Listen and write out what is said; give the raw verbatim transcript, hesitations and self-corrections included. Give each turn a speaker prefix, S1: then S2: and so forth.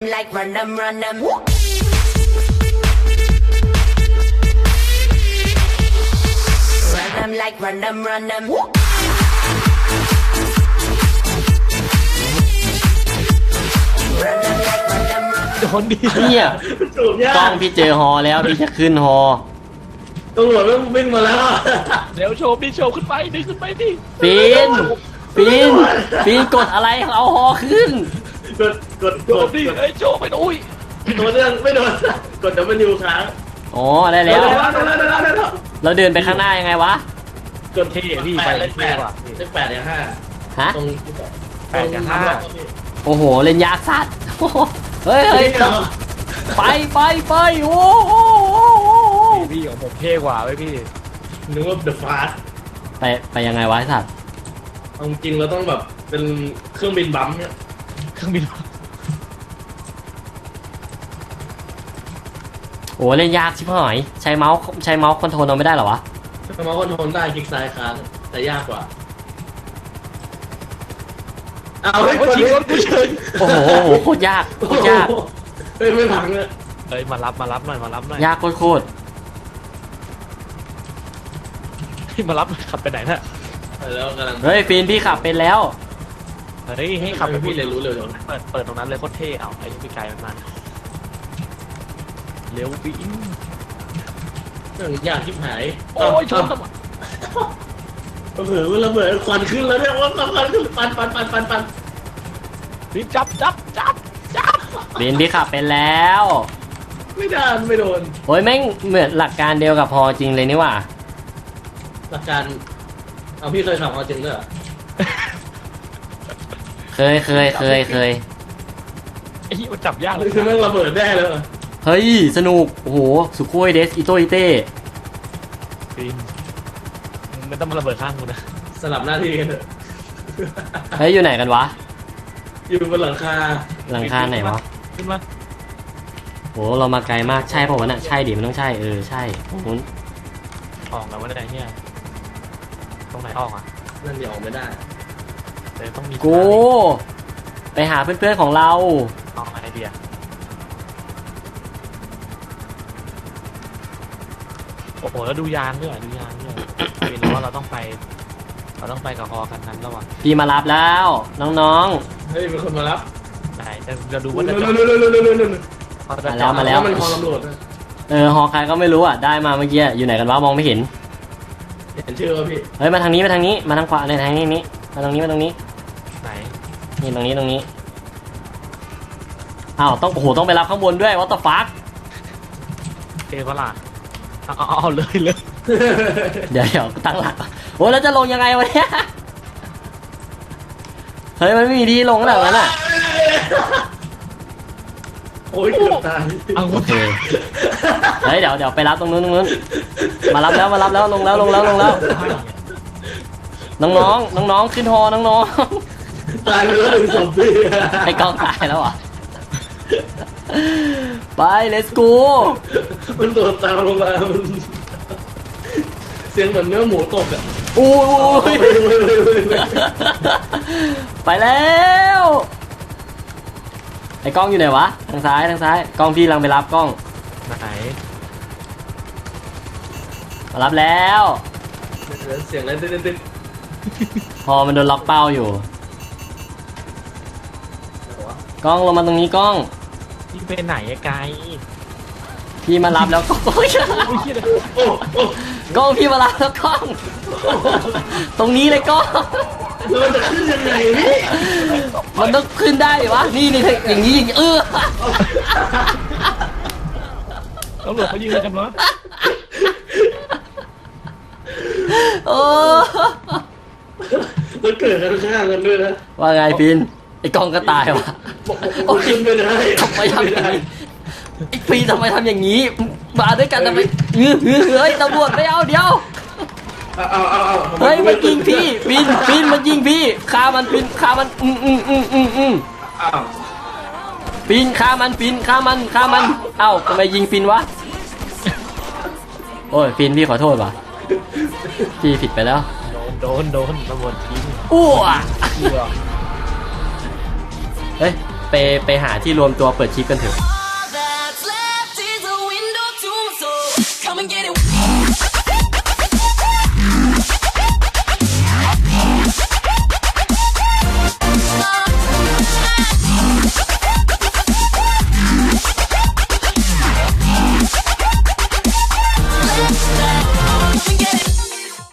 S1: like run them, run them. Run them like run them, run them. Run them like run them, run them.
S2: โดนดี
S3: เนี่ย
S4: จูบยาก
S3: กล้องพี่เจอฮอแล้วพี่จะขึ้นฮอ
S4: ตำรวจมันวิ่งมาแล้ว
S2: เดี๋ยวโชว์พี่โชว์ขึ้นไปดิขึ้นไปดิ
S3: ปีนปีนปีนกดอะไรเอาฮอขึ้น
S4: กดกด
S2: โด
S4: ก
S2: น
S4: ด
S2: ดิ
S4: กด
S2: ไอ้ยโชว์ไปดูอุ้ย
S4: ตัวเรื่องไม่โดนกดดับเบิลยูค้าง
S3: อ๋อได้แล้ว
S4: ได้แล้วได้แล้วได้แล้ว
S3: เราเดินไปข้างหน้ายังไงวะ
S4: กด
S2: เท่พี่
S4: แป
S2: ไป
S4: ดเลข
S2: เท่
S4: แปด
S2: กว่า
S4: เลขแปดเลขห้า
S3: ฮะ
S4: ตรง
S2: แปดกับห้า
S3: โอ้โหเล่นยากสัตว์โอ้โหเฮ้ยเฮ้ยไปไปไปโอ้โห
S2: พี่ของผมเท่กว่าไว้พี่
S4: นึกว่า The Fast
S3: ไปไปยังไงวะไอ้สัตว์
S4: เอาจริงเราต้องแบบเป็นเครื่องบินบัมป์เนี่ย
S2: เครื่องบิน
S3: โอ้เล่นยากชิบหายใช้เมาส์ใช้เมาส์คอนโทรลเราไม่ได้เหรอวะ
S4: สมาร์ทโฟนโทนได้คลิกซ้ายค้างแต่ยากกว่าเอา
S2: โอ้
S4: ให้
S2: ย
S4: คน
S2: ชิง
S4: นี้
S2: รถกูเฉย
S3: โอ้โหโอ้โหโคตรยากโคตรยาก
S4: เฮ้ยไม่พังเลย
S2: เฮ้ยมารับมารับหน่อยมารับหน่อย
S3: ยากโคตรโคตร
S2: ให้มารับขับไปไหนน่ะ
S4: แล้วกำลัง
S3: เฮ้ยฟีนพี่ขับเป็นแล้ว
S2: เฮ้ยให้ขับไป
S4: พี่เรียนรู้เร็วจัง
S2: เปิดเปิดตรงนั้นเลยโคตรเท่เอาไอ้พี่ไกลมันมาเร็ววิ่ง
S4: เรื่องยากชิบหาย
S2: โอ้ยชน
S4: เผื่อมันระเบิดควันขึ้นแล้วเนี่ยว่าควันขึ้นปันปันปันปันปัน
S2: พี่จับจับจับจับ
S3: ฟีนพี่ขับเป็นแล้ว
S4: ไม่ได้ไม่โดน
S3: โอ้ยแม่งเหมือนหลักการเดียวกับพอจริงเลยนี่หว่า
S4: หลักการเอาพี่เคยขับมาจริงด้วยเหรอ
S3: เคยเคยเคยเคย
S2: ไอ้ที่มันจับยากเล
S4: นี่
S2: ย
S4: คือแม่งระเบิดได้เลยเหรอ
S3: เฮ้ยสนุกโอ้โหสุโคยเดสอิโตอิเต้
S2: พี่ไม่ต้องมาระเบิดข้างกูนะ
S4: สลับหน้าที่กันเถอะ
S3: เฮ้ยอยู่ไหนกันวะ
S4: อยู่บนหลังคา
S3: หลังคาไหนวะ
S2: ขึ้นมา
S3: โหเรามาไกลมากใช่ป่าวะน่ะใช่ดิมันต้องใช่เออใช่โอ้โห
S2: ออกแล้ววะเนี่ยเฮียตรงไหนออกอ่ะ
S4: นั่นเดี๋ยวออกไม่ได้
S2: เดี๋ยวต้องมี
S3: กูไปหาเพื่อนๆของเรา
S2: เอาไอเดียโอ้โหแล้วดูยานด้วยดูยานด้วยเห็นว่าเราต้องไป เราต้องไปกับฮอคันนั้นแล้วว่ะ
S3: พี่มารับแล้วน้อง
S4: เฮ้ยมีคนมารับ
S2: ไหนจะจะดูว่าจะ
S4: เร็
S2: จ
S4: ว
S2: อด
S4: เร็วเร็วเร็วเร็วเร็วเร็ว
S2: เขาจะ
S3: มา
S2: จ
S3: แล้
S2: อ
S3: ว
S2: ด
S3: มาแล้ว
S4: มันคอตำรวจนะ
S3: ๆเออฮอใครก็ไม่รู้อ่ะได้มาเมื่อกี้อยู่ไหนกันวะมองไม่เห็น
S4: เห็นชื่อว่าพี่
S3: เฮ้ยมาทางนี้มาทางนี้มาทางขวาในทางนี้นี้มาตรงนี้มาตรงนี้
S2: ไหน
S3: นี่ตรงนี้ตรงนี้อ้าวต้องโอ้โหต้องไปรับข้างบนด้วยวัตถุฟัก
S2: เทพล่ะเอาเอาเอาเลยเลย
S3: เดี๋ยวเดี๋ยวตั้งหลักโอ้แล้วจะลงยังไงวะเนี่ยเฮ้ยมันไม่มีที่ลงแล้วนั้นอ่ะ
S4: โอ้ยเกือบตาย
S2: เอา
S3: โอเคเฮ้ยเดี๋ยวเดี๋ยวไปรับตรงนู้นตรงนู้นมารับแล้วมารับแล้วลงแล้วลงแล้วลงแล้วน้องๆน้องๆขึ้นฮอน้อง
S4: ตายไปแล้วหนึ่งศพพี่
S3: ๆไอ้กล้องตายแล้วเหรอ่ะไป let's go
S4: มันโดดตามลงมามันเสียงเหมือนเนื้อหมูตกอ่ะ
S3: อู้
S4: เฮ้
S3: ย
S4: ยเฮ้ยเฮ้ยเฮ้ยเฮ้ย
S3: ไปแล้วไอ้กล้องอยู่ไหนวะทางซ้ายทางซ้ายกล้องพี่กำลังไปรับกล้อง
S2: ไหน
S3: มารับแล้ว
S4: เสียงอะไรเต้นเต้น
S3: พอมันโดนล็อกเป้าอยู่กล้องลงมาตรงนี้กล้อง
S2: พี่ไปไหนอะไกล
S3: พี่มารับแล้วกล้องโอ้ย
S2: โอ้ยเหี้ยเลย
S4: โอ้โอ้
S3: กล้องพี่มารับแล้วกล้อง ตรงนี้เลยกล้อง
S4: แล้วมันจะขึ้นยังไงพี่
S3: มันต้องขึ้นได้วะนี่นี่อย่างนี้อย่างนี้เออ
S2: ตำรวจเขายิงอะไรกันวะ
S3: โอ้
S4: มันเกิดกันข้างกันด้วยนะ
S3: ว่าไงปินไอ้กล้องก็ตายวะ
S4: โอ้ยขึ้นไม่ได้
S3: ทำไมทำอย่างนี้ไอ้ปีทำไมทำอย่างนี้มาด้วยกันทำไมเฮ้ยเฮ้ยตำรวจไม่เอาเดี๋ยว
S4: เอาเอาเอาเอา
S3: เฮ้ยมันยิงพี่ปีนปีนมันยิงพี่ฆ่ามันปีนฆ่ามันอืมอืมอืมอืมอืม
S4: เอา
S3: ปีนฆ่ามันปีนฆ่ามันฆ่ามันเอ้าทำไมยิงปีนวะโอ้ยปีนพี่ขอโทษว่ะพี่ผิดไปแล้ว
S2: โดนโดนโดนตำรวจยิง
S3: อ้ว
S2: เหี้ย
S3: เฮ้ยไปไปหาที่รวมตัวเปิดคลิปกันเถอะ
S1: All that's left is a window to my soul. Come and get it.